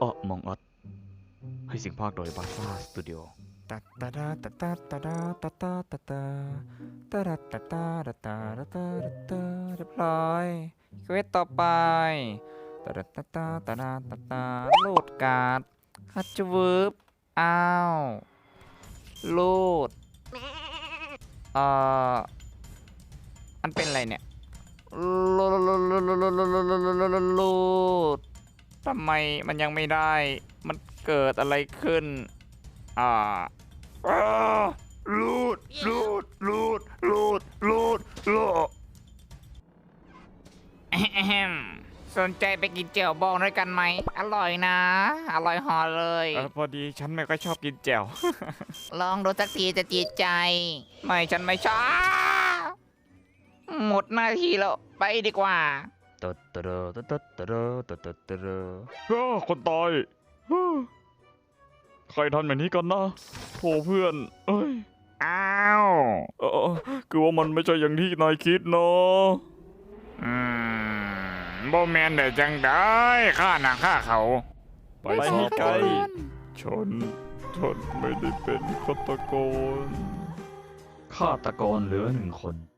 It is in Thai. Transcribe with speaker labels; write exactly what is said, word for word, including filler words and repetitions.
Speaker 1: อ้อมองอัดให้เสียงภาคโดยบาซ่าสตูดิโอ
Speaker 2: ตาตาดาตาตาตาดาตาตาตาตาตาดาตาตาตาตาตาตาตาเรียบร้อยเควสต่อไปตาดาตาตาตาดาตาตาโหลดการ์ดฮัตจวืบอ้าวโหลดเอ่ออันเป็นอะไรเนี่ยโหลดโหลดโหลดโหลดโหลดโหลดโหลดทำไมมันยังไม่ได้มันเกิดอะไรขึ้นอ่าอ้าลูดลูดลูดลูดลูดลูดแอมสนใจไปกินเจียวบองด้วยกันไหมอร่อยนะ อร่อยหอเลยเออพอดีฉันไม่ค่อยชอบกินเจียว ลองดูสักทีจะจีดใจ ไม่ฉันไม่ชอบหมดหน้าที่แล้วไปดีกว่า
Speaker 1: ตัดตะเรอตัดตัดตะเรอตัดตัดตะเรอ
Speaker 3: อ้าคนตายอ้าใครทำแบบนี้กันนะโถเพื่อน เอ้ย
Speaker 2: อ้าว
Speaker 3: เออคือว่ามันไม่ใช่อย่างที่นายคิดเนาะ
Speaker 2: อืมบ่แมนได้จังได้ข้าหนักข้าเขา
Speaker 3: ไปสิไกลฉันฉันไม่ได้เป็นฆาตกร
Speaker 1: ฆาตกรเหลือหนึ่งคน